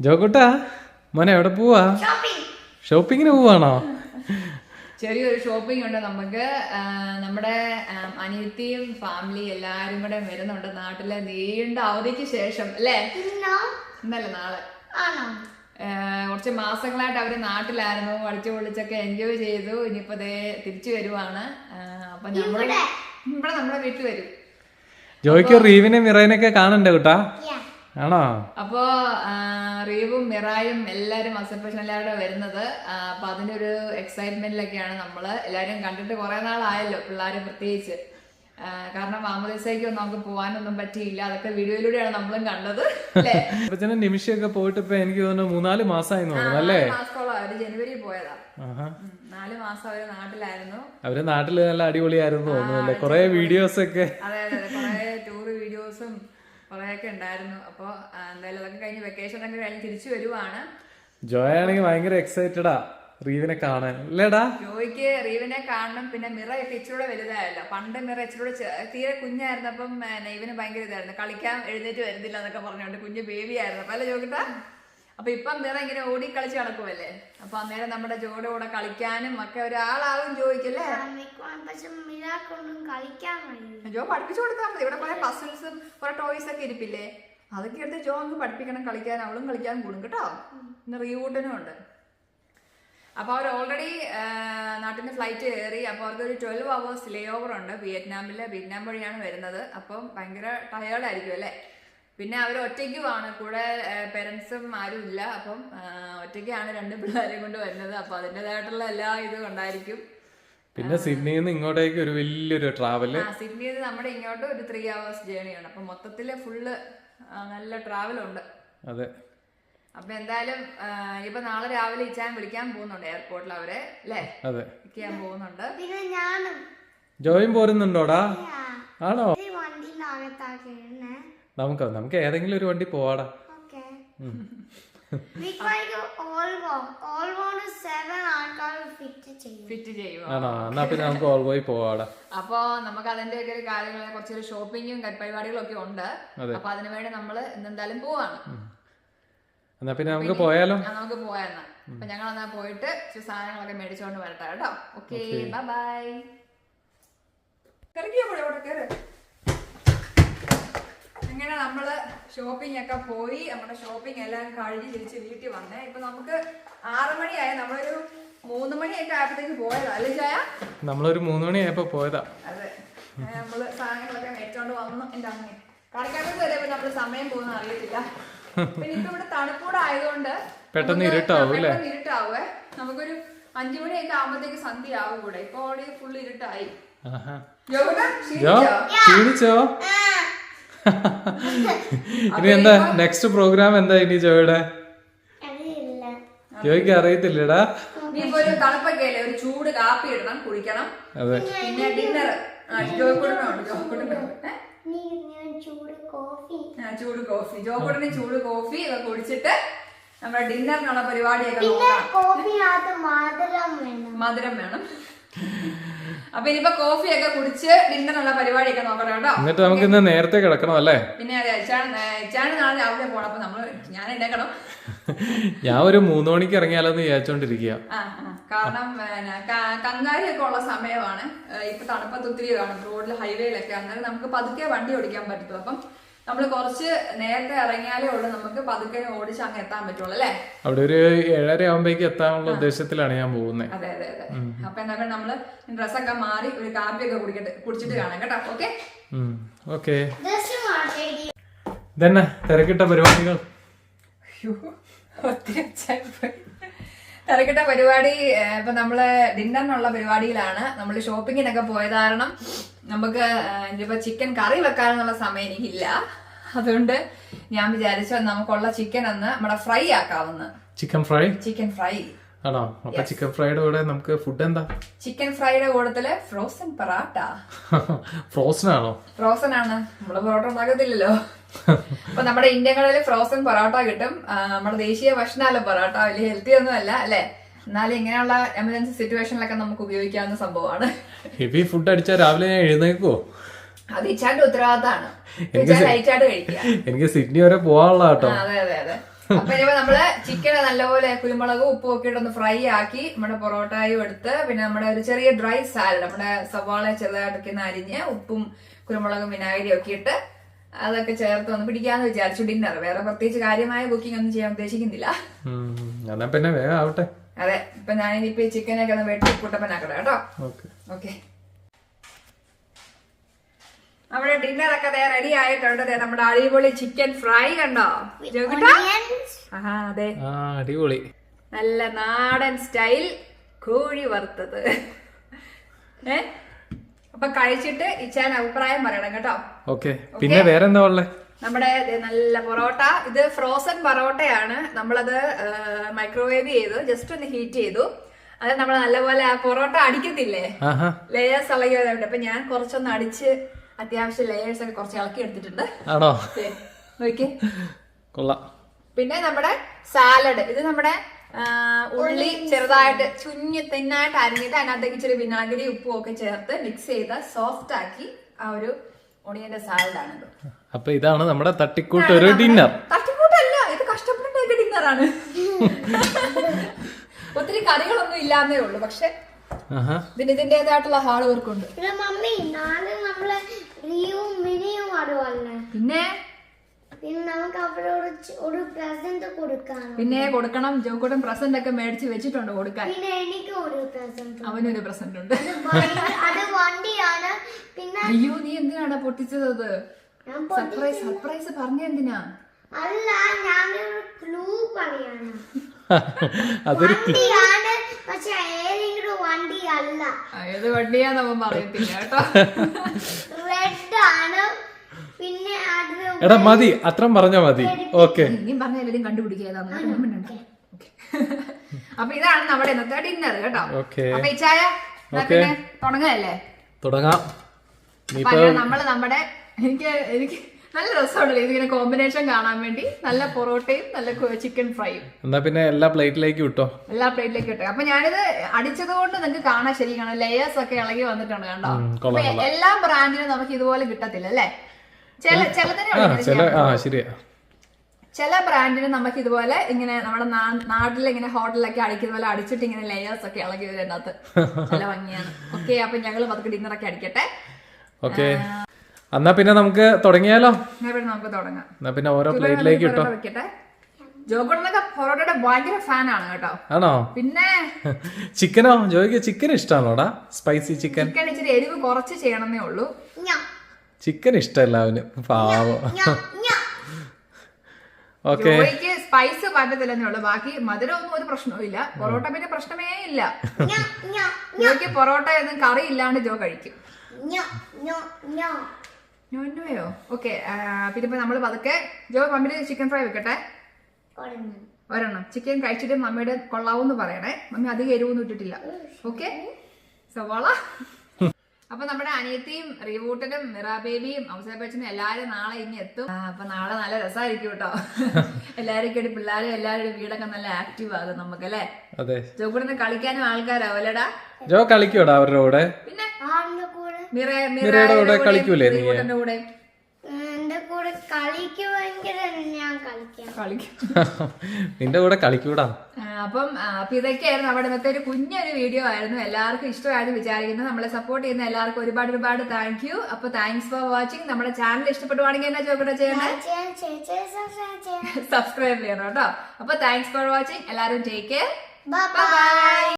ജോക്കുട്ടാ മോനെ എവിടെ പോവാ? ഷോപ്പിങ്ങിന് പോവാണോ? ചെറിയൊരു ഷോപ്പിംഗ് ഉണ്ട് നമുക്ക്. നമ്മുടെ അനിയത്തിയും ഫാമിലി എല്ലാരും കൂടെ വരുന്നുണ്ട് നാട്ടിലെ നീണ്ട അവധിക്ക് ശേഷം അല്ലേ? ഇന്നല്ല നാളെ. കുറച്ച് മാസങ്ങളായിട്ട് അവര് നാട്ടിലായിരുന്നു, അടിച്ചു പൊളിച്ചൊക്കെ എൻജോയ് ചെയ്തു. ഇനിയിപ്പോ തിരിച്ചു വരുവാണ്. അപ്പൊ ഇവിടെ നമ്മുടെ വീട്ടിൽ വരും. ജോയ്ക്ക് റീവിനെ മിറേനൊക്കെ കാണണ്ടേ കൂട്ടാ? ആണോ? അപ്പോ റീവും മിറായും എല്ലാരും അസംപ്ഷൻ എല്ലാവരും വരുന്നത്. അപ്പൊ അതിന്റെ ഒരു എക്സൈറ്റ്മെന്റിലൊക്കെയാണ് നമ്മള്. എല്ലാരും കണ്ടിട്ട് കുറെ നാളായല്ലോ, പിള്ളേര് പ്രത്യേകിച്ച്. കാരണം മാമോദിസയ്ക്ക് നമുക്ക് പോകാനൊന്നും പറ്റിയില്ല. അതൊക്കെ വീഡിയോയിലൂടെയാണ് നമ്മളും കണ്ടത് അല്ലേ? നിമിഷമൊക്കെ പോയിട്ട് ഇപ്പൊ എനിക്ക് തോന്നുന്നു 3-4 മാസമായി തോന്നുന്നു. മാസത്തോളം അവര് ജനുവരി പോയതാ. 4 മാസം അവര് നാട്ടിലായിരുന്നു. അവര് നാട്ടില് നല്ല അടിപൊളിയായിരുന്നു തോന്നുന്നു. കൊറേ വീഡിയോസ് ഒക്കെ. അതെ അതെ, കൊറേ ടൂർ വീഡിയോസും കൊറേയൊക്കെ ഉണ്ടായിരുന്നു. അപ്പൊ എന്തായാലും അതൊക്കെ കഴിഞ്ഞ് വെക്കേഷൻ ഒക്കെ കഴിഞ്ഞ് തിരിച്ചു വരുവാണ്. ജോയ് ആണെങ്കിൽ ഭയങ്കര എക്സൈറ്റഡാ റീവിനെ കാണാൻ അല്ലേടാ? ജോയ്ക്ക് റീവിനെ കാണണം. പിന്നെ മിറ ഇപ്പൊ ഇച്ചിരൂടെ വലുതായല്ലോ. പണ്ട് മിറ ഇച്ചിരൂടെ തീരെ കുഞ്ഞായിരുന്നപ്പം ഇവന് ഭയങ്കര ഇതായിരുന്നു, കളിക്കാൻ എഴുന്നേറ്റ് വരുന്നില്ല എന്നൊക്കെ പറഞ്ഞോണ്ട് കുഞ്ഞ് ബേബി ആയിരുന്നു. അപ്പൊ അല്ലേ ജോക്കിട്ടാ? അപ്പൊ ഇപ്പം മിറ ഇങ്ങനെ ഓടി കളിച്ച് നടക്കുമല്ലേ. അപ്പൊ അന്നേരം നമ്മുടെ ജോയുടെ കൂടെ കളിക്കാനും ഒക്കെ ഒരാളാവും ജോയ്ക്കല്ലേ. ജോ പഠിപ്പിച്ചു കൊടുത്താൽ മതി. ഇവിടെ കുറെ പസിൽസും കുറെ ടോയ്സ് ഒക്കെ ഇരിപ്പില്ലേ, അതൊക്കെ എടുത്ത് ജോ അങ്ങ് പഠിപ്പിക്കണം കളിക്കാൻ. അവളും കളിക്കാൻ കൂടും കേട്ടോ. ഇന്ന് റീവൂട്ടനും ഉണ്ട്. അപ്പൊ അവർ ഓൾറെഡി നാട്ടിൽ നിന്ന് ഫ്ലൈറ്റ് കയറി. അപ്പൊ അവർക്ക് ഒരു 12 hours ലേ ഓവർ ഉണ്ട് വിയറ്റ്നാമില്. വിയറ്റ്നാം വഴിയാണ് വരുന്നത്. അപ്പം ഭയങ്കര ടയേർഡായിരിക്കും അല്ലേ. പിന്നെ അവർ ഒറ്റയ്ക്കുമാണ്, കൂടെ പേരൻസും ആരും ഇല്ല. അപ്പം ഒറ്റയ്ക്കാണ് 2 പിള്ളേരെയും കൊണ്ട് വരുന്നത്. അപ്പൊ അതിൻ്റെതായിട്ടുള്ള എല്ലാ ഇതും ഉണ്ടായിരിക്കും. പിന്നെ സിഡ്നിയിൽ നിന്ന് ഇങ്ങോട്ടേക്ക് ഒരു വലിയൊരു ട്രാവല്. സിഡ്നിയിൽ നിന്ന് നമ്മുടെ ഇങ്ങോട്ട് ഒരു 3 hours ജേണിയാണ്. അപ്പൊ മൊത്തത്തില് ഫുള്ള് നല്ല ട്രാവലുണ്ട്. അതെ. അപ്പൊ എന്തായാലും ഇപ്പൊ നാളെ രാവിലെ ഇച്ചാൻ വിളിക്കാൻ പോകുന്നുണ്ട് എയർപോർട്ടിൽ അവരെ അല്ലേ. അതെ, വിളിക്കാൻ പോകുന്നുണ്ട്. ജോയും പോരുന്നുണ്ടോടാ? ആണോ? നമുക്ക് ഏതെങ്കിലും ഒരു വണ്ടി പോവാടാ. ആണോ? എന്നാ പിന്നെ നമുക്ക് ഓൾവോയി പോവാടാ. അപ്പൊ നമുക്ക് അതിന്റെ ഒക്കെ ഒരു കാര്യങ്ങൾ, കുറച്ചൊരു ഷോപ്പിങ്ങും പരിപാടികളും ഒക്കെ ഉണ്ട്. അപ്പൊ അതിനു വേണ്ടി നമ്മള് ഇന്നെന്തായാലും പോവാണ്. എന്നാ പിന്നെ നമുക്ക് പോയാലോ? നമുക്ക് പോയാന്നാ. അപ്പൊ ഞങ്ങൾ എന്നാ പോയിട്ട് സാധനങ്ങളൊക്കെ മേടിച്ചോണ്ട് വരട്ടെ കേട്ടോ. Okay, bye bye. ഇങ്ങനെ നമ്മള് ഷോപ്പിംഗ് ഒക്കെ പോയി. നമ്മുടെ ഷോപ്പിംഗ് എല്ലാം കഴിഞ്ഞ് തിരിച്ച് വീട്ടിൽ വന്നേ. ഇപ്പൊ നമുക്ക് 6 മണിയായി. നമ്മളൊരു 3 മണിയൊക്കെ ആയപ്പോഴത്തേക്ക് പോയതാ അല്ലേ ചായ? നമ്മളൊരു 3 മണിയായപ്പോ പോയതാ. അതെ, നമ്മള് സാധനങ്ങളൊക്കെ മേടിച്ചോണ്ട് വന്നു. എന്റെ അമ്മ കടക്കാർക്ക് വരെ നമ്മള് സമയം പോകുന്ന അറിയത്തില്ല. പിന്നെ ഇപ്പൊ ഇവിടെ തണുപ്പൂടെ ആയതുകൊണ്ട് പെട്ടെന്ന് ഇരുട്ടാവും അല്ലേ? ഇരുട്ടാവേ. നമുക്കൊരു 5 മണിയൊക്കെ ആകുമ്പോഴത്തേക്ക് സന്ധ്യ ആവും കൂടെ. ഇപ്പൊ അവിടെ ഫുള്ള് ഇരുട്ടായി. ക്ഷീണിച്ചോ? ഇനി എന്താ നെക്സ്റ്റ് പ്രോഗ്രാം എന്താ ഇനി ജോയുടെ? ജോയ്ക്ക് അറിയത്തില്ലടാ. ഇനിയിപ്പോ ഒരു തണുപ്പൊക്കെ അല്ലേ, ഒരു ചൂട് കാപ്പി ഇടണം, കുടിക്കണം. അതെ, പിന്നെ ഡിന്നർ ജോക്കുടനുണ്ട്. ചൂട് കോഫി ജോക്കുടന് ചൂട് കോഫി ഒക്കെ കുടിച്ചിട്ട് നമ്മുടെ ഡിന്നറിനുള്ള പരിപാടിയൊക്കെ നോക്കണം. മധുരം വേണം. അപ്പൊ ഇനിയിപ്പോ കോഫിയൊക്കെ കുടിച്ച് ഡിന്നറിനുള്ള പരിപാടിയൊക്കെ നോക്കണം കേട്ടോ. എന്നിട്ട് നമുക്ക് ഇന്ന് നേരത്തെ കിടക്കണം അല്ലേ? പിന്നെ അതെ, ഇച്ചാണ് നാളെ രാവിലെ പോണം. അപ്പൊ നമ്മള് ഞാൻ എഴുന്നേക്കണം. ഞാൻ ഒരു 3 മണിക്ക് ഇറങ്ങിയാലോന്ന് വിചാരിച്ചോണ്ടിരിക്കുക. കാരണം കങ്കാരിയൊക്കെ ഉള്ള സമയമാണ്. ഇപ്പൊ തണുപ്പത്ത് ഒത്തിരി കാണും റോഡിൽ, ഹൈവേയിലൊക്കെ. അന്നേരം നമുക്ക് പതുക്കെ വണ്ടി ഓടിക്കാൻ പറ്റും. അപ്പം നമ്മള് കുറച്ച് നേരത്തെ ഇറങ്ങിയാലേ ഉള്ളൂ നമുക്ക് പതുക്കെ ഓടിച്ച് അങ്ങ് എത്താൻ പറ്റുള്ളൂ അല്ലേ? അവിടെ ഒരു 7:30 ആകുമ്പോഴേക്ക് എത്താനുള്ള ഉദ്ദേശത്തിലാണ് ഞാൻ പോകുന്നത്. അതെ അതെ അതെ. അപ്പൊ എന്താ നമ്മള് ഡ്രസ്സൊക്കെ മാറി ഒരു കാപ്പിയൊക്കെ കുടിച്ചിട്ട് കാണാം കേട്ടോ. Okay okay. ഇതന്നെ തിരക്കിട്ട പരിപാടികൾ. തിരക്കിട്ട പരിപാടി. ഇപ്പൊ നമ്മള് ഡിന്നറിനുള്ള പരിപാടിയിലാണ്. നമ്മള് ഷോപ്പിങ്ങിനൊക്കെ പോയത് കാരണം നമുക്ക് ഇനിയിപ്പോ ചിക്കൻ കറി വെക്കാനുള്ള സമയം എനിക്കില്ല. അതുകൊണ്ട് ഞാൻ വിചാരിച്ചു നമുക്കുള്ള ചിക്കൻ ഒന്ന് നമ്മുടെ ഫ്രൈ ആക്കാവുന്ന. ചിക്കൻ ഫ്രൈ ആണോ? അപ്പൊ ചിക്കൻ ഫ്രൈയുടെ കൂടെ നമുക്ക് ഫുഡ് എന്താ? ചിക്കൻ ഫ്രൈയുടെ കൂട്ടത്തില് ഫ്രോസൺ പൊറാട്ട. ഫ്രോസൺ ആണോ? ഫ്രോസൺ ആണ്. നമ്മള് പൊറോട്ട ഉണ്ടാക്കത്തില്ലല്ലോ. അപ്പൊ നമ്മുടെ ഇന്ത്യൻ കടയിൽ ഫ്രോസൺ പൊറോട്ട കിട്ടും. നമ്മുടെ ദേശീയ ഭക്ഷണമല്ല പൊറോട്ട, വലിയ ഹെൽത്തി ഒന്നും അല്ല അല്ലെ. എന്നാലും ഇങ്ങനെയുള്ള എമർജൻസി സിറ്റുവേഷനിലൊക്കെ നമുക്ക് ഉപയോഗിക്കാവുന്ന സംഭവമാണ്. ഹെവി ഫുഡ് അടിച്ചാൽ രാവിലെ ഞാൻ എഴുന്നേക്കുവോ? അത് ഇച്ചാന്റെ ഉത്തരവാദിത്തമാണ്. എനിക്ക് സിഡ്നി വരെ പോവാനുള്ള കേട്ടോ. അതെ അതെ അതെ. അപ്പൊ ഇനിയിപ്പോ നമ്മള് ചിക്കൻ നല്ലപോലെ കുരുമുളകും ഉപ്പും ഒക്കെ ഇട്ടൊന്ന് ഫ്രൈ ആക്കി നമ്മുടെ പൊറോട്ടയും എടുത്ത് പിന്നെ നമ്മുടെ ഒരു ചെറിയ ഡ്രൈ സാലഡ് നമ്മുടെ സവാള ചെറുതായിട്ടൊക്കെ ഒന്ന് അരിഞ്ഞ് ഉപ്പും കുരുമുളകും വിനാഗിരിയും ഒക്കെ ഇട്ട് അതൊക്കെ ചേർത്ത് ഒന്ന് പിടിക്കാന്ന് വിചാരിച്ചു ഡിന്നർ. വേറെ പ്രത്യേകിച്ച് കാര്യമായ കുക്കിംഗ് ഒന്നും ചെയ്യാൻ ഉദ്ദേശിക്കുന്നില്ല. പിന്നെ വേഗം ആവട്ടെ. അതെ, ഇപ്പൊ ഞാനിപ്പോ ഈ ചിക്കനൊക്കെ ഒന്ന് വെട്ടി കുട്ടപ്പനാക്കട്ടെ കേട്ടോ. ഓക്കെ, നമ്മുടെ ഡിന്നർ ഒക്കെ റെഡി ആയിട്ടുണ്ട്. നമ്മുടെ അടിപൊളി ചിക്കൻ ഫ്രൈ കണ്ടോ? അതെ, അടിപൊളി നല്ല നാടൻ സ്റ്റൈൽ കോഴി വറുത്തത്. അപ്പൊ കഴിച്ചിട്ട് ഇച്ചാൻ അഭിപ്രായം പറയണം കേട്ടോ. ഓക്കെ, പിന്നെ വേറെന്താ ഉള്ളേ? നമ്മുടെ നല്ല പൊറോട്ട, ഇത് ഫ്രോസൺ പൊറോട്ടയാണ്. നമ്മളത് മൈക്രോവേവ് ചെയ്തു, ജസ്റ്റ് ഒന്ന് ഹീറ്റ് ചെയ്തു. അത് നമ്മൾ നല്ലപോലെ ആ പൊറോട്ട അടിക്കത്തില്ലേ, ലേയേഴ്സ് ഇളകിയതുണ്ട്. അപ്പൊ ഞാൻ കുറച്ചൊന്ന് അടിച്ച് അത്യാവശ്യം ലേയേഴ്സ് ഒക്കെ കുറച്ച് ഇളക്കി എടുത്തിട്ടുണ്ട്. നോക്കിയേ, കൊള്ളാം. പിന്നെ നമ്മുടെ സാലഡ്, ഇത് നമ്മുടെ ഉള്ളി ചെറുതായിട്ട് തിന്നായിട്ട് അരിഞ്ഞിട്ട് അതിനകത്തേക്ക് ഇച്ചിരി വിനാഗിരി ഉപ്പും ഒക്കെ ചേർത്ത് മിക്സ് ചെയ്ത് സോഫ്റ്റ് ആക്കി ആ ഒരു ഒണിയന്റെ സാലഡാണ്. അപ്പൊ ഇതാണ് നമ്മുടെ തട്ടിക്കൂട്ട് ഒരു ഡിന്നർ. തട്ടിക്കൂട്ടല്ല, ഇത് കഷ്ടപ്പെട്ടിട്ടൊക്കെ ഡിന്നറാണ്. ഒത്തിരി കറികളൊന്നും ഇല്ലാന്നേ ഉള്ളൂ, പക്ഷെ ഇതിന് ഇതിന്റേതായിട്ടുള്ള ഹാർഡ് വർക്ക് ഉണ്ട്. പിന്നെ കൊടുക്കണം. ജോക്കൂട്ടൻ പ്രസന്റ് ഒക്കെ മേടിച്ച് വെച്ചിട്ടുണ്ട് കൊടുക്കാൻ. അവനൊരു പ്രസന്റ് ഉണ്ട്. അയ്യോ, നീ എന്തിനാണ് പൊട്ടിച്ചത്? സർപ്രൈസ് പറഞ്ഞ എന്തിനാ? അല്ല, ഞാനൊരു ക്ലൂ പറയാണ്. പക്ഷെ ഏതെങ്കിലും വണ്ടി അല്ല. ഏത് വണ്ടിയാന്ന് അവൻ പറയത്തില്ല കേട്ടോ. റെഡ് ആണ്. പിന്നെ എടാ മതി, അത്രയും പറഞ്ഞാ മതി. ഓക്കെ, ഇനിയും പറഞ്ഞാലും കണ്ടുപിടിക്കാതാണ്. അപ്പൊ ഇതാണ് നമ്മുടെ ഇന്നത്തെ ഡിന്നർ കേട്ടോ. അപ്പൊ ഈ ചായ തുടങ്ങല്ലേ? തുടങ്ങാം. നമ്മള് നമ്മുടെ എനിക്ക് നല്ല രസമുണ്ടല്ലോ ഇതിങ്ങനെ കോമ്പിനേഷൻ കാണാൻ വേണ്ടി. നല്ല പൊറോട്ടയും നല്ല ചിക്കൻ ഫ്രൈയും. എന്നാ പിന്നെ എല്ലാ പ്ലേറ്റിലേക്ക് ഇട്ടോ. അപ്പൊ ഞാനിത് അടിച്ചത് കൊണ്ട് നിങ്ങൾക്ക് കാണാൻ ശരി കാണാം. ലേയേഴ്സ് ഒക്കെ ഇളകി വന്നിട്ടുണ്ട് കണ്ടോ. എല്ലാ ബ്രാൻഡിനും നമുക്ക് ഇതുപോലെ കിട്ടത്തില്ല അല്ലേ? ചില ബ്രാൻഡിന് നമുക്ക് ഇതുപോലെ ഇങ്ങനെ നമ്മുടെ നാട്ടിൽ ഇങ്ങനെ ഹോട്ടലിലൊക്കെ അടിക്കുന്ന പോലെ അടിച്ചിട്ട് ഇങ്ങനെ ലേയേഴ്സ് ഒക്കെ ഇളകി വരുന്നതിനകത്ത് നല്ല ഭംഗിയാണ്. ഓക്കെ, അപ്പൊ ഞങ്ങൾ പതുക്കെ ഡിന്നറൊക്കെ അടിക്കട്ടെ. ഓക്കെ, എന്നാ പിന്നെ നമുക്ക് തുടങ്ങിയാലോ? നമുക്ക് തുടങ്ങാം. എന്നാ പിന്നെ ഓരോ പ്ലേറ്റിലേക്ക് ഇട്ടോ. ജോഗോടനൊക്കെ പൊറോട്ടയുടെ ഭയങ്കര ഫാനാണ് കേട്ടോ. ആണോ? പിന്നെ ചിക്കനോ? ജോയ്ക്ക് ചിക്കൻ ഇഷ്ടമാണോടാ? Spicy chicken. ചിക്കൻ ഇച്ചിരി എരിവ് കുറച്ച് ചെയ്യണമെന്നേ ഉള്ളൂ. ചിക്കൻ ഇഷ്ടമല്ല അവന്, പാവം. ഓക്കെ, ജോയ്ക്ക് സ്പൈസ് പറ്റത്തില്ലെന്നേ ഉള്ളൂ. ബാക്കി മധുരം ഒന്നും ഒരു പ്രശ്നവും ഇല്ല. പൊറോട്ട പിന്നെ പ്രശ്നമേ ഇല്ല. ജോയ്ക്ക് പൊറോട്ട ഒന്നും കറി ഇല്ലാണ്ട് ജോ കഴിക്കും. നോയോ? ഓക്കെ, പിന്നെ ഇപ്പൊ നമ്മള് പതുക്കെ ജോ മമ്മിയുടെ ചിക്കൻ ഫ്രൈ വെക്കട്ടെ. ഒരെണ്ണം ചിക്കൻ കഴിച്ചിട്ട് മമ്മിയുടെ കൊള്ളാവൂന്ന് പറയണേ. മമ്മി അധികം എരിവൊന്നും ഇട്ടിട്ടില്ല. ഓക്കെ, സവാള. അപ്പൊ നമ്മുടെ അനിയത്തിയും റീവൂട്ടനും മിറാ ബേബിയും ഔസേപ്പച്ചനും എല്ലാരും നാളെ ഇനി എത്തും. അപ്പൊ നാളെ നല്ല രസമായിരിക്കും കേട്ടോ. എല്ലാരും കൂടി പിള്ളേരും എല്ലാവരുടെ വീടൊക്കെ നല്ല ആക്റ്റീവ് ആകും നമുക്കല്ലേ. ജോക്കൂടെ കളിക്കാനും ആൾക്കാരാവല്ലേടാ. ജോ കളിക്കൂടാ അവരുടെ കൂടെ? പിന്നെ മിറയുടെ കൂടെ കളിക്കൂലേ നീ? കൂടെ നിന്റെ കൂടെ കളിക്കൂടാ. അപ്പം ഇതൊക്കെയായിരുന്നു നമ്മുടെ ഇന്നത്തെ ഒരു കുഞ്ഞൊരു വീഡിയോ ആയിരുന്നു. എല്ലാവർക്കും ഇഷ്ടമായിരുന്നു വിചാരിക്കുന്നു. നമ്മളെ സപ്പോർട്ട് ചെയ്യുന്ന എല്ലാവർക്കും ഒരുപാട് താങ്ക് യു. അപ്പൊ താങ്ക്സ് ഫോർ വാച്ചിങ്. നമ്മുടെ ചാനൽ ഇഷ്ടപ്പെടുവാണെങ്കിൽ എന്നാ ചോദിക്കട്ടെ ചെയ്യണേ? സബ്സ്ക്രൈബ് ചെയ്യണം കേട്ടോ. അപ്പൊ താങ്ക്സ് ഫോർ വാച്ചിങ്. എല്ലാവരും ടേക്ക് കെയർ. ബൈ.